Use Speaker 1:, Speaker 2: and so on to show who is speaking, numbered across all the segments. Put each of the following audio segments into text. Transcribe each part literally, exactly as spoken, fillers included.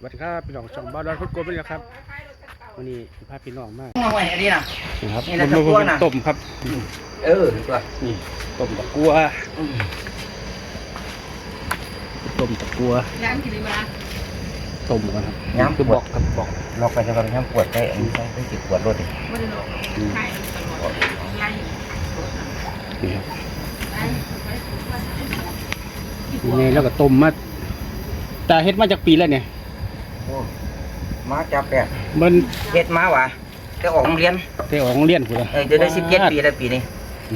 Speaker 1: วัสดีครับพี่น้องช่องบ้านดอนพุทธโกเป็นไงครับวันนี้พาพี่น้องมาก
Speaker 2: น้อยอันนี้นะ
Speaker 1: นะครับ
Speaker 2: นี่นะตะกั่วน่ะ
Speaker 1: ต้มครับ
Speaker 2: เออตัว
Speaker 1: นี่ต้มตะกัวต้มตะกัว
Speaker 3: ย้ำกี่ดีมา
Speaker 1: ต้มกันครับ
Speaker 2: ย้ำ
Speaker 1: คือบอกครับบอก
Speaker 2: ลอกไปจะบางย้ำปวดได้อันนี้ต้องจิตปวดรถดิ
Speaker 3: ไม่ได้ลงไข่ตลอดไล่
Speaker 1: นี่ครับ
Speaker 3: ไล่
Speaker 1: ยังไงแล้วก็ต้มมาแต่เฮ็ดมาจากปีแล้วเนี่ย
Speaker 2: โอ้มาจับแปะ
Speaker 1: มัน
Speaker 2: เฮ็ดมาวะจะออกโรงเรียน
Speaker 1: เตะออกโรงเรียนพุ่นละ
Speaker 2: เออจะได้สิบเจ็ดปีแล้วปีนี้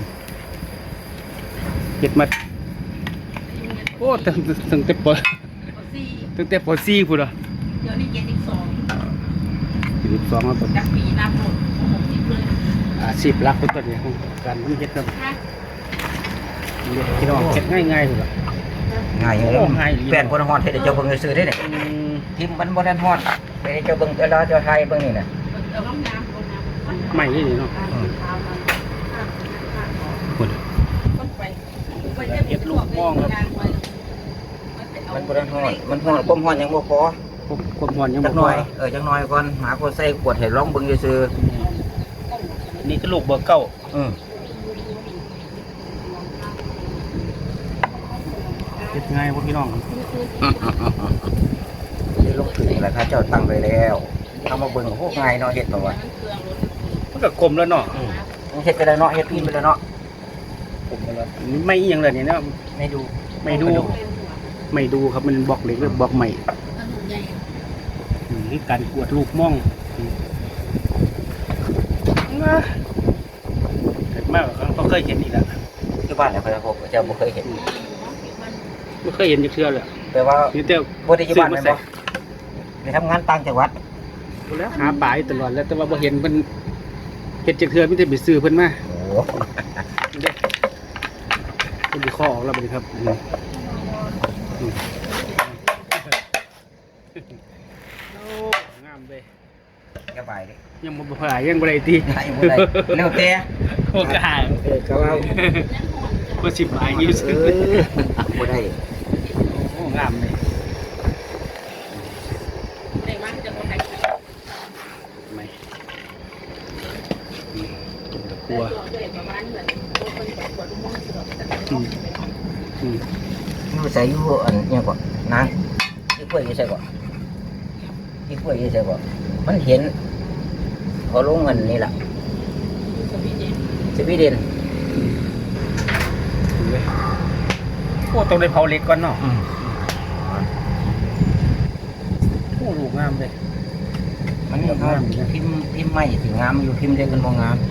Speaker 1: เฮ็ดมาโอ้ตั้งตั้งแต่ป
Speaker 3: สี่
Speaker 1: ตั้งแต่ปสี่พุ่นละ
Speaker 3: เดี๋ยวนี้เจ็ดสิบสอง
Speaker 1: สิบสองแล้วก็
Speaker 3: จากปีน้ำหมดหกสิบเลย
Speaker 1: อาชีพหลักเป็นต้นเนี่ยของการมันเฮ็ดครับ
Speaker 3: ค่ะ
Speaker 1: เฮ็ดพี่น้องเฮ็ดง่ายๆพุ่นละ
Speaker 2: ง่ายอยู่แล้ว
Speaker 1: โอ้ง่ายอยู่
Speaker 2: แป้นบนฮอดเฮ็ดให้เจ้าเบิ่งซื้อได้เนี่ย
Speaker 1: อืม
Speaker 2: ทิมมันบนนั้นฮอดไปให้เจ้าเบิ่งเวลาเจ้าไทยเบิ่งนี่น่ะ
Speaker 3: เอาล้องน้ำลงน้ำ
Speaker 1: ใหม่นี่เนาะพุ่น
Speaker 3: ต้นไปไปเฮ็ดลูกมองครับ
Speaker 2: มันบนนั้นฮอดมันฮอดความฮอดยังบ่พอ
Speaker 1: ความร้อนยัง
Speaker 2: จั
Speaker 1: บ่
Speaker 2: ก
Speaker 1: พ
Speaker 2: หน่
Speaker 1: อ
Speaker 2: อยเออจักหน่อยก่อนหาคนใส่ขวดให้ลองเบิ่งซื่อ
Speaker 1: นี่ก็ลูกเบอร์เก้า
Speaker 2: ๆอือ
Speaker 1: เฮ็ดง่ายพวกพี่น้อง
Speaker 2: ได้ลงถึงแล้วครับเจ้าตั้งไว้แล้วเอามาเบิ่งโอ้ง่ายเนาะเฮ็ดตัววะ
Speaker 1: มันก็กลมแล้วเนาะ
Speaker 2: เฮ็ดไปแล้วเนาะเฮ็ดพิมพ์ไปแล้วเนาะ
Speaker 1: กลมไปแล้วไม่อีหยังเลยนี่เนาะ
Speaker 2: ไม่ดู
Speaker 1: ไม่ดูไม่ดูครับมันบล็อกเหล็กหรือบล็อกใหม่นี่การกวดลูกม่องนะเกิดมากครั้งก็เคยเห็นอีกแล้ว
Speaker 2: ที่บ้านเนี่ยเพิ่นพบเจ้าบ่เคยเห็น
Speaker 1: ไม่เคยเห็นจะเชื่อเลย
Speaker 2: แต่ว่า
Speaker 1: นี่เต้า
Speaker 2: บ่ได้อยู่บ้านแม่นบ่ไปทำงานต่างจังหวัด
Speaker 1: แล้วหาปลาอยู่ตลอดแล้วแต่ว่าบ่เห็นเพิ่นเฮ็ดจักเทื่อมีแต่ไปซื้อเพิ่นมา
Speaker 2: โอ้
Speaker 1: เด้เพิ่นสิข้อออกแล้วบัดนี้ครับอืมอืมโอ้งามเด้
Speaker 2: สบายดิ
Speaker 1: ยังบ่พายยังบ่ได้ติ
Speaker 2: ได้บ่ได้แล้วแต่
Speaker 1: โอกาส
Speaker 2: เออก็ว่า
Speaker 1: บ่สิบหลายอยู่
Speaker 2: เอ
Speaker 1: ซื่อ
Speaker 2: อบ่ได้
Speaker 1: โอ้งามเลย
Speaker 3: ในมันจะคนไทย
Speaker 1: ไม่อืมต้มตะกัว
Speaker 3: ประมาณเหมือนคนปวดม่วงสลบแต่
Speaker 1: อืมอืม
Speaker 2: อยู่ใส่อยู่อันอิหยังก่อนนางที่กล้วยอยู่ใส่ก่อนที่กล้วยอยู่ใส่ก่อนมันเห็นเขาลงเงินนี่ล่ะ
Speaker 3: สวีเดน
Speaker 2: สวีเดน
Speaker 1: ดูเลยโอ้ต้องได้เผาเหล็กก่อนเนาะ
Speaker 2: อืม
Speaker 1: โอ้ลูกงามเลย
Speaker 2: มันนี่เขาพิมพ์พิมพ์ใหม่สิงามอยู่พิมพ์เล็กมันบ่งาม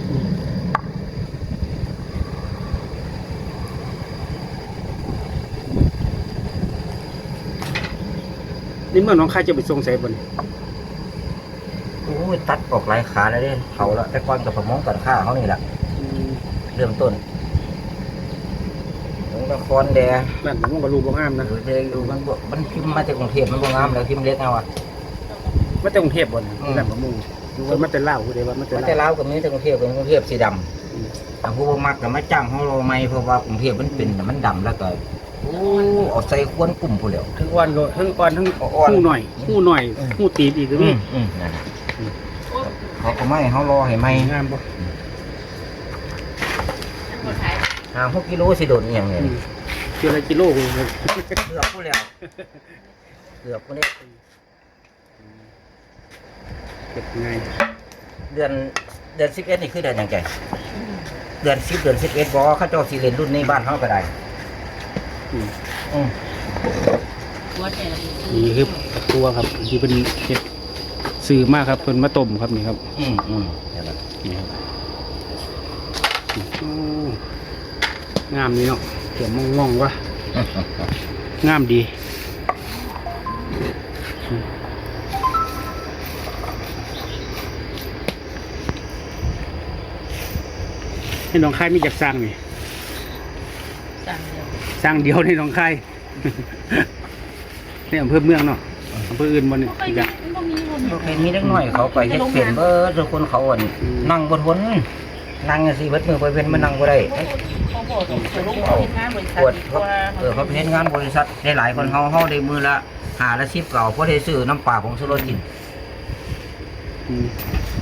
Speaker 1: นี่เมื่อน้องข้าจะไปส่งใส่บน
Speaker 2: โอ้ยตัดออกหลายขาแล้วเด้เขาแล้วแต่ก่อนกับประมงตัดข้าเขานี่แหละเริ่มต้นถึงละครแดง
Speaker 1: นั่นผมก็ลูกบ่งามนะ
Speaker 2: หรือเด็กอยู่มันบ่มันพิมพ์มาจากกรุงเทพมันบ่งามแล้วพิมพ์เล็กเอาอ่ะ
Speaker 1: มาจากกรุงเทพบ่น
Speaker 2: อืม
Speaker 1: นั่นบ่มุ่งดูว่ามันจะเล่าผู้ใดว่ามันจะ
Speaker 2: มันจะ
Speaker 1: เล่า
Speaker 2: เล้าวกับนี้จากกรุงเทพเป็นกรุงเทพสีด
Speaker 1: อืม
Speaker 2: ำแต่ผู้บ่มักก็มาจ้างเขาโลไม่เพราะว่ากรุงเทพมันเป็นแต่มันดำแล้วก็โอ้เอาใส่ควนกลุ่มผู้เดียว
Speaker 1: ทั้งอ่อนก็ทั้งอ่อนทั้ง
Speaker 2: อ่อน
Speaker 1: หูหน่อยหูหน่อย
Speaker 2: อืม
Speaker 1: หูตีบอีกก็
Speaker 2: อื
Speaker 1: มี
Speaker 2: มอืมนั่นน่ะเขาก็ไม่เขารอให้ไหม
Speaker 1: งามบ่
Speaker 3: คนไทย
Speaker 2: ห่างหกกิโลสิโดนอหย่างเงี้ย
Speaker 1: อืมเกี่ยวอะไรกิโลกูเลย
Speaker 2: เกือบผู้เดียวเกือบผู้เดียว
Speaker 1: เก็บง่าย
Speaker 2: เดือนเดือนสิบเอ็ดนี่คือเดือนหยังไงเดือนสิบเดือนสิบเอ็ดบอเขาเจ้าสีเลนรุ่นในบ้านเขาก็ได้
Speaker 1: อืม
Speaker 2: อืม
Speaker 3: ตัวแต่
Speaker 1: นี่คือตะกัวครับที่เป็นเห็ดซื้อมากครับเป็นมาต้มครับนี่ครับ
Speaker 2: อืมอืมเดี๋ยวก่อน
Speaker 1: นี่ครับโอ้งามนี่เนาะเขียวมองมองๆวะงามดีให้น้องค่ายมีจักสร้างนี่
Speaker 3: สั่งเดียว
Speaker 1: สร้างเดียวในหนองคาย ในอำเภอเมืองเนาะอำเภออื่นบนนี่
Speaker 3: ไม่
Speaker 1: จ้ะ
Speaker 3: มีคน
Speaker 2: โอเคมีเล็กน้อยเขาไปเฮ็ดเป็นเบิดทุกคนเขาอ่อนนั่งบนทนนั่งสิเบิดมือไปเป็นมันนั่งบ่ได้
Speaker 3: เขาบอกเขาลูกเขาเห็นงานบริษัท
Speaker 2: ปวดเขาเออเขาไปเฮ็ดงานบริษัทได้หลายคนเขาเขาได้มือละหาละสิบเก่าเพราะได้ซื้อน้ำปลาของสุรกิน
Speaker 1: อืม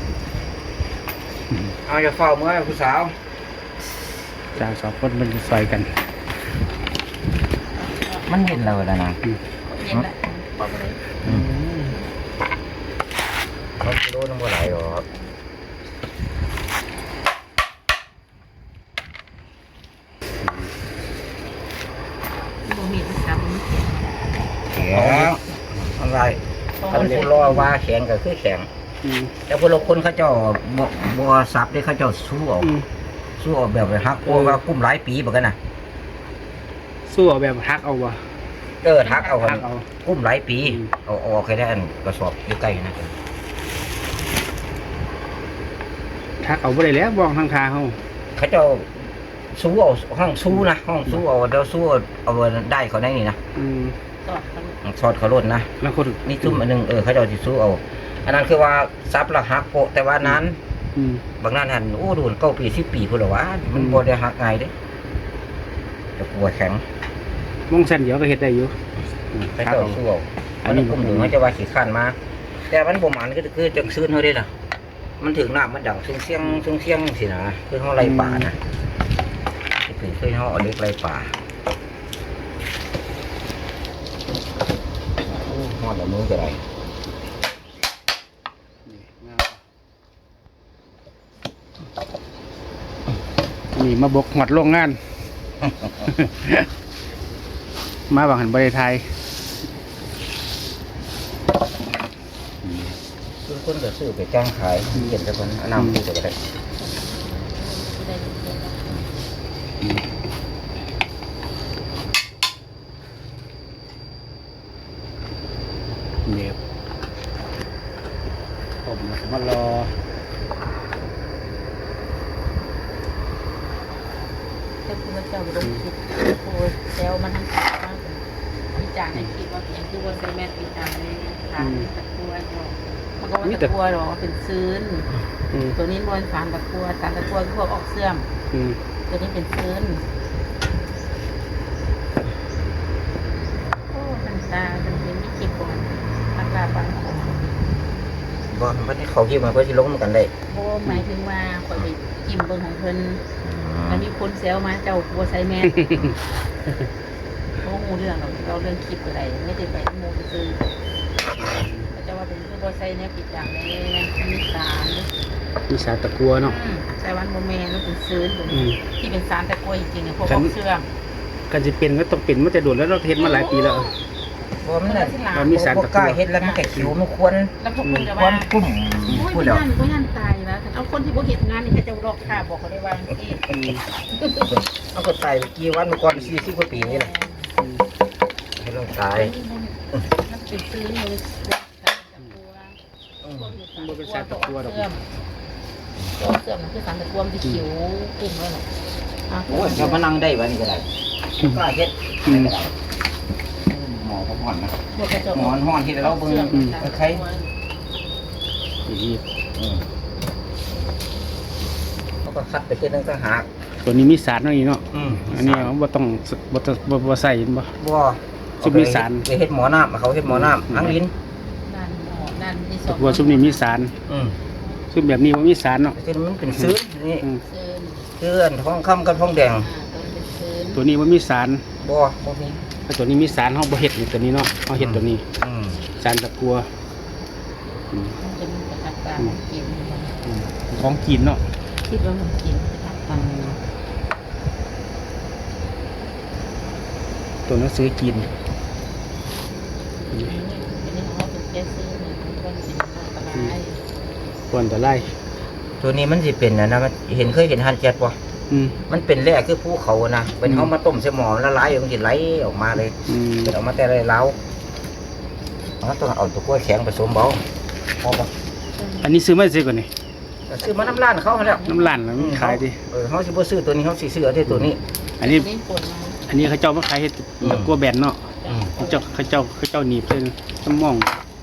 Speaker 2: เอาอย่าเฝ้าเมื่อผู้สาว
Speaker 1: จางสองคนมันซอยกัน
Speaker 2: มันเย็นแล้วนะนะ
Speaker 3: เย็นละปอกเลย
Speaker 2: เขากิโลนึงเท่าไหร่หรอก
Speaker 3: บ่มีทำมันเขียน
Speaker 2: แข็งอะไรถ้าผู้รอว่าแข็งก็คือแข็ง
Speaker 1: อืม
Speaker 2: แต่พวกเราคนเขาเจ้าบ่บ่ซับได้เขาเจ้าสู้เอา
Speaker 1: อืม
Speaker 2: สู้เอาแบบไปฮักโอ้ว่ากุ้มหลายปีเหมือนกันนะ
Speaker 1: สู้เอาแบบฮักเอาวะ
Speaker 2: เออทักเอา
Speaker 1: ฮักเอา
Speaker 2: กุ้มหลายปี
Speaker 1: อืม
Speaker 2: เอาออกให้ได้อันกระสอบอยู่ใกล้นะ
Speaker 1: ฮักเอาบ่ได้แล้วบ้องทางคาเฮา
Speaker 2: เขาเจ้าสู้เอาห้องสู้นะห้องสู้เอาเดี๋ยวสู้เอาได้เขาได้นี่นะ
Speaker 1: อืม
Speaker 3: สอดเขา
Speaker 2: สอดเขาลดนะ
Speaker 1: แล้วคน
Speaker 2: นี่จุ่มอันหนึงเออเขาเจ้าสิสู้เอาอันนั้นคือว่าซับและฮักโปะแต่ว่านั้น
Speaker 1: อืม
Speaker 2: บางนั้นหันโอ้โดนเก้าปีสิบปีพุ่นละวะมัน
Speaker 1: อืม
Speaker 2: บ่ได้ฮักง่ายเด้แต่กลัวแข็ง
Speaker 1: มองเส้นเดียวก็เฮ็ดได้อยู่อืม
Speaker 2: เขา
Speaker 1: ฮัก
Speaker 2: เจ้า
Speaker 1: เอา
Speaker 2: สู้เอา
Speaker 1: อั
Speaker 2: อั
Speaker 1: น
Speaker 2: น
Speaker 1: นี้
Speaker 2: นี้ผมถึงเขาจะว่าขี้ข้านมา แต่มันบ่หมันก็คือจังซื่นเฮาเด้ล่ะมันถึงน้ำมันดังเสียงๆเสียงๆสินะคือเฮาไล่ป่านะคือคือเฮาเอาเล็กไล่ป่าโอ้ฮอดแล้วมือจะได้
Speaker 1: นี่มาบกหมดโรงงาน มาบางหันบริไทย
Speaker 2: คือคนก็ซื้อไปจ้างขายเก็บแต่คนเอานำซื้อไปก็ได้
Speaker 3: ที่ได้เขียน
Speaker 1: เนี่ยผมมารอ
Speaker 3: แต่คุณเจ้าลงคิดโอ้แซวมันทั้งสามมากเลยวิจารณ์ในคลิปว่าอย่างที่ว่าใส่แม่ปีตาเลยทานตะกัวเนาะมันก็ว่าตะกัวหรอเป็นซื้น
Speaker 1: อืม
Speaker 3: ตัวนี้มวนสารตะกัวสารตะกัวคือพวกออกเสื่อม
Speaker 1: อืม
Speaker 3: ตัวนี้เป็นซื้นโอ้มันตาเป็นเป็นมิจิก่อนอากาศบางคน
Speaker 2: บ่มันที่เขาคิดมันก็สิลงกันได้
Speaker 3: โอ้หมายถึงว่าคอยไปจิ้มเบิ่งของเพิ่นแล้วมีคนแซวมาเจ้ากัวใส่แม่โอ้หูเรื่องเราเราเรื่องคลิปอะไรไม่ได้ไปโมซื้อเจ้าว่าเป็นคือบ่ใส่เนี่ยปิดดังเลยมีสาร
Speaker 1: มีสาตะกัวเนาะ
Speaker 3: ใส่วันโมเมนต์แล้วเป็นซื้น
Speaker 1: อืม
Speaker 3: ที่เป็นสารตะกัวจริงๆเนี่ยพวกออกเสื่อม
Speaker 1: กันจะเป็นก็ต้องเป็นมันจะโดดแล้วเราเฮ็ดมาหลายปีแล้ว
Speaker 2: บ่มันน่ะ
Speaker 1: มันมีสาร
Speaker 2: บ่
Speaker 1: ตะ
Speaker 2: ก
Speaker 1: กั
Speaker 2: ล้าว เฮ็ดแล้วมันก็คิวมันควร
Speaker 3: แล้วพวกคุณจะ
Speaker 2: คว
Speaker 3: ว่าร
Speaker 2: กุ้ม
Speaker 3: โอ้ย
Speaker 2: พูด
Speaker 3: ไม่
Speaker 2: แล้ว
Speaker 3: ยันไม่ยันตายแล้วเอาคนที่บ่เห็นงานนี่เขาจะรอกค่าบอกเขาได้ว่าที่
Speaker 1: อืม
Speaker 2: มันก็ตายไปกี่วันเมื่อก่อนสี่สิบกว่าปีนี่แหละให้ลงตาย
Speaker 3: มันเป็นซื้อเลยสารตะกัวเสื่อมเสื่อมมันคือสารตะกัวมันจะเขียวกลุ่มเลยหรอ
Speaker 2: โอ้ยถ้ามานั่งได้วันนี้ก็ได้กล้าเฮ็ด
Speaker 1: อืม
Speaker 2: หมอพักผ่อนนะ
Speaker 3: พวกกระจก
Speaker 2: หมอนห้อนที่เราเบิ่ง ใคร
Speaker 1: อีก
Speaker 2: อืมเขาก็คัดไปขึ้นตั้งต่างหาก
Speaker 1: ตัวนี้มีสารเนาะนี่เนาะ
Speaker 2: อืม
Speaker 1: อันนี้บ่ต้องบ่ต้องบ่บ่ใส่เห็นบ่
Speaker 2: บ่
Speaker 1: ซุปมีสาร
Speaker 2: ไปเฮ็ดหมอน้ำเขาเฮ็ดหมอน้ำทั้งลิ้น
Speaker 3: นั่นหมอนั่นนี่ส
Speaker 1: ตะ
Speaker 3: อง
Speaker 1: กัวซุปนี้มีสาร
Speaker 2: อืม
Speaker 1: ซุปแบบนี้บ่มีสารเนาะ
Speaker 2: ซึ่งมันเป็นซื้อนี่
Speaker 1: อืม
Speaker 3: ซื้อ
Speaker 2: เสื้อท้องคำกับท้องแดง
Speaker 3: อ่าตัวเป็นซื้อ
Speaker 1: ตัวนี้บ่มีสาร
Speaker 2: บ่บ่มี
Speaker 1: ถ้าตัวนี้มีสารเฮาบ่เฮ็ดนี่ตัวนี้เนาะเฮาเฮ็ดตัวนี้
Speaker 2: อืม
Speaker 1: สารตะกัวอืม
Speaker 3: มันจะมีกระตักตากิน
Speaker 1: อืมของกินเนาะ
Speaker 3: คิดว่ามันกินกระตักตา
Speaker 1: ตัวหนังสือกิน
Speaker 3: อันนี้เขาเป็นแค่ซื้อเนี่ยมันก็เป็นอันตราย
Speaker 1: ควรจะไล่
Speaker 2: ตัวนี้มันสิเป็นนะนะมันเห็นเคยเห็นฮันเจ็ดบ่
Speaker 1: อืม
Speaker 2: มันเป็นแร่คือภูเขานะเป็นเฮามาต้มใส่หม้อละลายมันสิไหลออกมาเลย
Speaker 1: อืม
Speaker 2: เป็นออกมาแต่ไรเล้าเราต้องเอาตัวกล้วยแข็งผสมเบาพอบ่
Speaker 1: อันนี้ซื้อมาซื้อก่อนนี่
Speaker 2: ซื้อมาน้ำร้านเขาหั่นแหล้ว
Speaker 1: น้ำร้านน่ะมันขายดิ
Speaker 2: เออเขาสิบ่ซื้อตัวนี้เขาสิซื้อเอาแต่ตัวนี้
Speaker 1: อันนี้
Speaker 3: นี่ปวดมา
Speaker 1: อันนี้เขาเจ้ามาขายเฮ็ด
Speaker 2: อืม
Speaker 1: ตะกัวแบนเนาะ
Speaker 2: อืม
Speaker 1: เขาเจ้าเขาเจ้าเขาเจ้าหนีบเส้นสมอง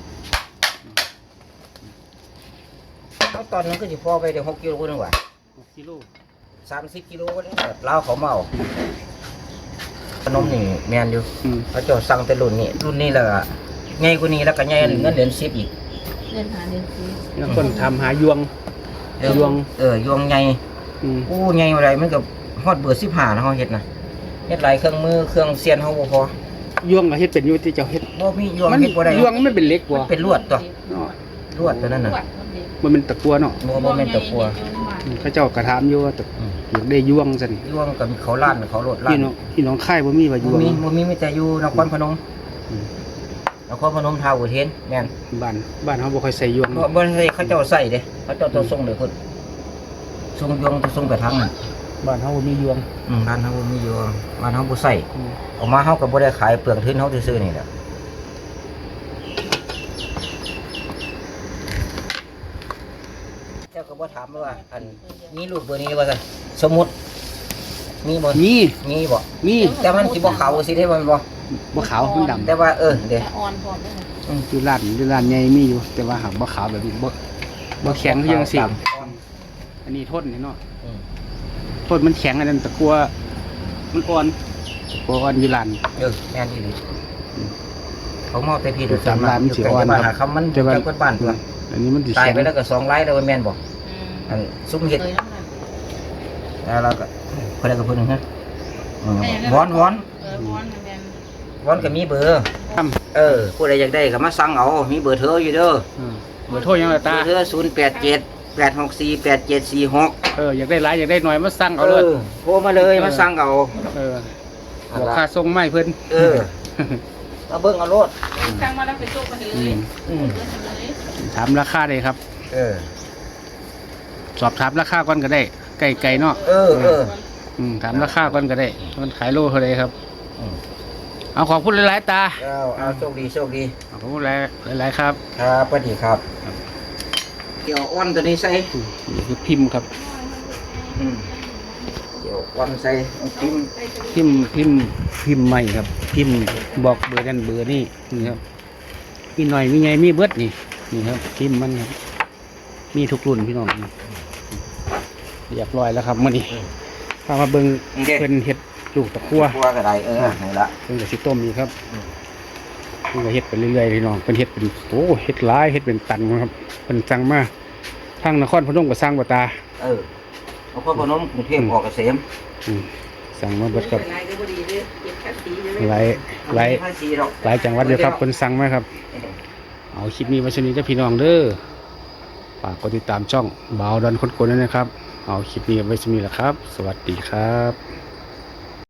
Speaker 2: เขาตอนนั้นก็สิพอไปได้หกกิโลนึงว่า
Speaker 1: กิโล
Speaker 2: สามสิบกิโลก็ได้ลาวเขามาเอาขนมนี่แม่นอยู่
Speaker 1: อืม
Speaker 2: เขาเจ้าสั่งแต่รุ่นนี้รุ่นนี้แหละใหญ่กว่านี้แล้วก็ใหญ่เงินเหรียญสิบอีก
Speaker 3: เดินหาเดินซื้อ
Speaker 1: แล้วคนทำหายวง
Speaker 2: เออ
Speaker 1: ยวง
Speaker 2: เออยวงใหญ่
Speaker 1: อืม
Speaker 2: โอ้ใหญ่อะไรมันก็ฮอดเบอร์สิบห้านะเฮาเฮ็ดนะเฮ็ดหลายเครื่องมือเครื่องเสียนเฮาบ่พอ
Speaker 1: ยวงก็เฮ็ดเป็นอยู่ที่เจ้าเฮ็ด
Speaker 2: บ่มียวง
Speaker 1: มัน
Speaker 2: เฮ็ดบ่ได้
Speaker 1: ยวงมันเป็นเหล็กบ่
Speaker 2: เป็นลวดตัว
Speaker 1: เนาะ
Speaker 2: ลวดตัวนั้นน่ะ
Speaker 1: มันเป็นตะกัวเนาะ
Speaker 2: บ่บ่แม่นตะกัว
Speaker 1: อืมเขาเจ้ากระถามอยู่ว่าตะ
Speaker 2: อืม
Speaker 1: อยากได้ยวงซั่น
Speaker 2: ยวงก็มีเขาล้านเขาโลดล้า
Speaker 1: พี่
Speaker 2: น
Speaker 1: น้องพี่น้องค่ายบ่มีว่ายว
Speaker 2: บ่
Speaker 1: ง
Speaker 2: มีบ่มีมีแต่อยู่นครพนม
Speaker 1: อืม
Speaker 2: นครพนมทาวอุเทนแม่น
Speaker 1: บ้านบ้านเฮาบ่ค่อยใส่ยวง
Speaker 2: บ่บ่ได้เขาเจ้าใส่เด้เขาเจ้าตัวส่งเลยพุ่นส่งยวงตัวส่งไปทางนั้น
Speaker 1: บ้านเฮาบ่มียวง
Speaker 2: อืมบ้านเฮาบ่มียวงบ้านเฮาบ่ใส่
Speaker 1: อืม
Speaker 2: ออกมาเฮาก็บ่ได้ขายเปลืองทุนเฮาซื่อๆนี่แหละเจ้าก็บ่ถามว่าอันมีลูกเบอร์นี้ว่าซั่นสมมุติมีบ่
Speaker 1: มี
Speaker 2: มีบ่
Speaker 1: มี
Speaker 2: แต่มันสิบ่ขาวสิได้บ่แม่นบ่
Speaker 1: บ่ขาวมันดำ
Speaker 2: แต่ว่าเออเด้
Speaker 3: อ่อนพร้อมได้ไหม
Speaker 1: อยู่ร้านอยู่ร้านใหญ่มีอยู่ แต่ว่าหากบ่ขาวแบบนี้บ่บ่แข็งคือจังซี่อันนี้ทนนี่เนาะ
Speaker 2: อืม
Speaker 1: ทนมันแข็งอันนั้นตะกัวมันอ่อนตะกัวอ่อนอยู่ร้าน
Speaker 2: เออแม่นอีหลีเขาเมาแต่พี่โดย
Speaker 1: ตามร้านมันสิอ่อน
Speaker 2: บ้าน
Speaker 1: ครั
Speaker 2: หา
Speaker 1: บ
Speaker 2: คำมัน
Speaker 1: แต่ว่า
Speaker 2: จักบ้านตัว
Speaker 1: อันนี้มันสิ
Speaker 2: ตาย
Speaker 1: แข็ง
Speaker 2: ไปแล้วก็สองไร่แล้วแม่นบ่
Speaker 3: อืม
Speaker 2: อันซุ้มเห็ด
Speaker 3: เคยแล้วค่ะ
Speaker 2: แล้วเราก็คนใดก็คนหนึ่งฮะอืมวอนวอน
Speaker 3: เออวอนเหมือนกัน
Speaker 2: วอนก็มีเบอร์
Speaker 1: ครับ
Speaker 2: เออผู้ใดอยากได้ก็มาสั่งเอามีเบอร์เธออยู่เด้อ
Speaker 1: อืมเบอร์โทรยังล่ะ
Speaker 2: เบ
Speaker 1: ตา
Speaker 2: อร์เธอศูนย์แปดเจ็ดแปดหกสี่แปดเจ็ดสี่หก
Speaker 1: เอออยากได้หลายอยากได้น้อยมาสั่ง
Speaker 2: เอ
Speaker 1: เอาเลย
Speaker 2: อโทรมาเลยมาสั่งเอา
Speaker 1: เออบอกค่าส่งไม่เพิ่น
Speaker 2: เออมาเบิ่งเอาโลด
Speaker 3: สั่งมาแล้วไปโต๊ะกันเล
Speaker 1: อื
Speaker 3: ย
Speaker 1: ม
Speaker 2: อืม
Speaker 3: เลือกเลย
Speaker 1: ถามราคาได้ครับ
Speaker 2: เออ
Speaker 1: สอบถามราคาก่อนก็ได้ไก่ไก่เนาะ
Speaker 2: เออเออ
Speaker 1: อืมถามราคาก่อนก็ได้มันขายโลเท่าไรครับ
Speaker 2: อืม
Speaker 1: เอาขอบคุณหลายๆตา
Speaker 2: เอาเอาโชคดีโชคดี
Speaker 1: ขอบคุณหลายหลายๆครับ
Speaker 2: ครับสวัสดีครับเกี่ยวอ้อนตัวนี้ใส่
Speaker 1: อืมนี่คือพิมพ์ครับ
Speaker 2: อืมเกี่ยวอ้อนใส่พิมพ์
Speaker 1: พิมพ์พิมพ์พิมพ์ใหม่ครับ พิมพ์บอกเบอร์นั่นเบอร์นี่นี่ครับมีหน่อยมีไงมีเบิดนี่นี่ครับพิมพ์มันครับมีทุกรุ่นพี่น้องนี่เรียบร้อยแล้วครับมื่อนี้พามาเบิ่งเพิ่นเฮ็ดลูกตะกั่ว
Speaker 2: ครัวก็ได้เออนี่ละ
Speaker 1: เพิ่นก็สิต้มนี่ครับ
Speaker 2: อืม
Speaker 1: เพิ่นก็เฮ็ดไปเรื่อยๆพี่น้องเพิ่นเฮ็ดเป็นโอ้เฮ็ดหลายเฮ็ดเป็นตันครับเพิ่นสั่งมาทางนครพนมก็สั่งบ่ตา
Speaker 2: เออเอาพ่อพนมกรุงเทพออกเกษม
Speaker 1: อืมสั่งมาเบิดครับ
Speaker 3: ลายก็พอดีเลยเก็บภาษีเลย
Speaker 1: หลายหลาย
Speaker 2: ภาษีหรอก
Speaker 1: หลายจังหวัดเดียวครับเพิ่นสั่งมาครับ เอาคลิปนี้ไว้ชนี้เจ้าพี่น้องเด้อฝากกดติดตามช่องบ่าวดอนคนโกนด้วยนะครับ เอาคลิปนี้ไว้ชนี้แหละครับ สวัสดีครับ